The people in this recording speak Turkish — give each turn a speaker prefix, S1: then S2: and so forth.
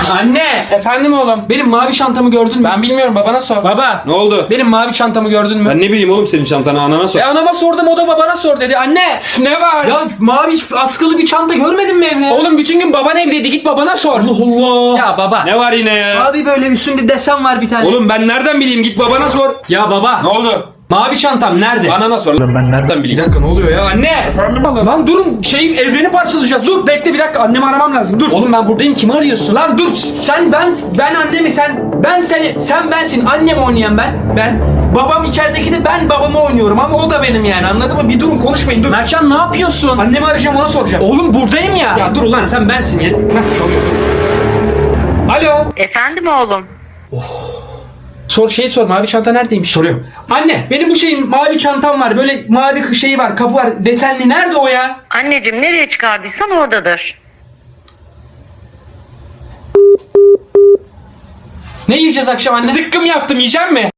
S1: Anne!
S2: Efendim oğlum.
S1: Benim mavi çantamı gördün mü?
S2: Ben bilmiyorum, babana sor.
S1: Baba!
S3: Ne oldu?
S1: Benim mavi çantamı gördün mü?
S3: Ben ne bileyim oğlum senin çantanı, anana sor.
S1: Anama sordum, o da babana sor dedi. Anne!
S2: Ne var?
S1: Ya mavi askılı bir çanta görmedin mi evde?
S2: Oğlum bütün gün baban evdeydi, git babana sor.
S1: Allah Allah!
S2: Ya baba.
S3: Ne var yine ya?
S1: Abi böyle üstünde desen var bir tane.
S3: Oğlum ben nereden bileyim, git babana sor.
S1: Ya baba!
S3: Ne oldu?
S1: Mavi çantam nerede?
S3: Anana sor. Ben nereden bileyim?
S1: Bir dakika, ne oluyor ya? Anne! Lan durun, evreni parçalayacağız. Dur bekle bir dakika, annemi aramam lazım. Dur.
S2: Oğlum ben buradayım, kimi arıyorsun?
S1: Lan dur, ben annemi, ben seni, sen bensin, annemi oynayan ben babam içerideki de, ben babamı oynuyorum ama o da benim yani, anladın mı? Bir durun, konuşmayın, dur.
S2: Mertcan ne yapıyorsun?
S1: Annemi arayacağım, ona soracağım.
S2: Oğlum buradayım ya.
S1: Ya dur ulan, sen bensin ya. Alo.
S4: Efendim oğlum.
S2: Sor mavi çanta neredeymiş?
S1: Soruyorum. Anne, benim bu şeyin mavi çantam var, böyle mavi şeyi var, kapı var, desenli, nerede o ya?
S4: Anneciğim nereye çıkardıysan oradadır.
S2: Ne yiyeceğiz akşam anne? Zıkkım yaptım, yiyecek mi?